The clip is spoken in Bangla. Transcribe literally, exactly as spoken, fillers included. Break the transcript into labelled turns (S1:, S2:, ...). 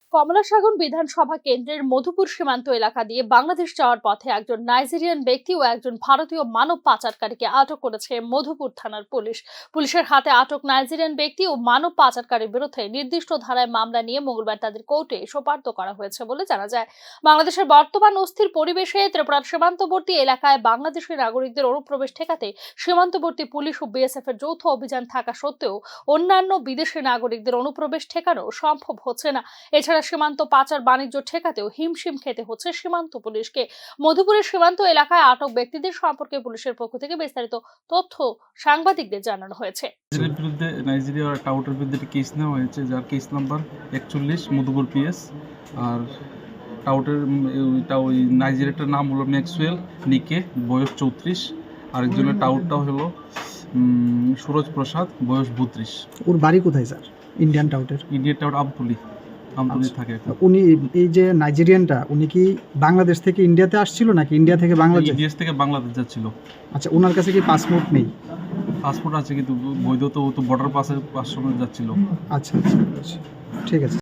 S1: কমলাসাগর বিধানসভা কেন্দ্রের মধুপুর সীমান্ত এলাকা দিয়ে বাংলাদেশ যাওয়ার পথে একজন নাইজেরিয়ান ব্যক্তি ও একজন ভারতীয় মানব পাচারকারীকে আটক করেছে মধুপুর থানার পুলিশ। পুলিশের হাতে আটক নাইজেরিয়ান ব্যক্তি ও মানব পাচারকারীর বিরুদ্ধে নির্দিষ্ট ধারায় মামলা নিয়ে মঙ্গলবার তাদের কোর্টে সোপর্দ করা হয়েছে বলে জানা যায়। বাংলাদেশের বর্তমান অস্থির পরিবেশে ত্রিপুরার সীমান্তবর্তী এলাকায় বাংলাদেশি নাগরিকদের অনুপ্রবেশ ঠেকাতে সীমান্তবর্তী পুলিশ ও বিএসএফ এর যৌথ অভিযান থাকা সত্ত্বেও অন্যান্য বিদেশি নাগরিকদের অনুপ্রবেশ ঠেকানো সম্ভব হচ্ছে না। এছাড়া সীমান্ত পাচার বাণিজ্য ঠেকাতেও হিমশিম খেতে হচ্ছে সীমান্ত পুলিশকে। মধুপুরের সীমান্ত এলাকায় আটক ব্যক্তিদের সম্পর্কে পুলিশের পক্ষ থেকে বিস্তারিত তথ্য সাংবাদিকদের জানানো হয়েছে।
S2: বিরুদ্ধে নাইজেরিয়া টাউটের বিরুদ্ধে কেস নেওয়া হয়েছে, যার কেস নাম্বার একচল্লিশ মধুপুর পিএস। আর টাউটের ওই নাইজেরিয়াটার নাম হলো ম্যাক্সওয়েল নিকে, বয়স চৌত্রিশ। আরেকজনের টাউটটা হলো সুরজ প্রসাদ, বয়স বত্রিশ।
S3: ওর বাড়ি কোথায় স্যার? ইন্ডিয়ান টাউটের
S2: ইন্ডিয়ান টাউট আমতলি আমতলি থাকে।
S3: উনি এই যে নাইজেরিয়ানটা, উনি কি বাংলাদেশ থেকে ইন্ডিয়াতে আসছিল নাকি ইন্ডিয়া থেকে বাংলাদেশ?
S2: ইন্ডিয়া থেকে বাংলাদেশ যাচ্ছিল।
S3: আচ্ছা, ওনার কাছে কি পাসপোর্ট নেই?
S2: পাসপোর্ট আছে কিন্তু বৈধ, তো ও তো বর্ডার পাসের পাস সময় যাচ্ছিল।
S3: আচ্ছা আচ্ছা, ঠিক আছে।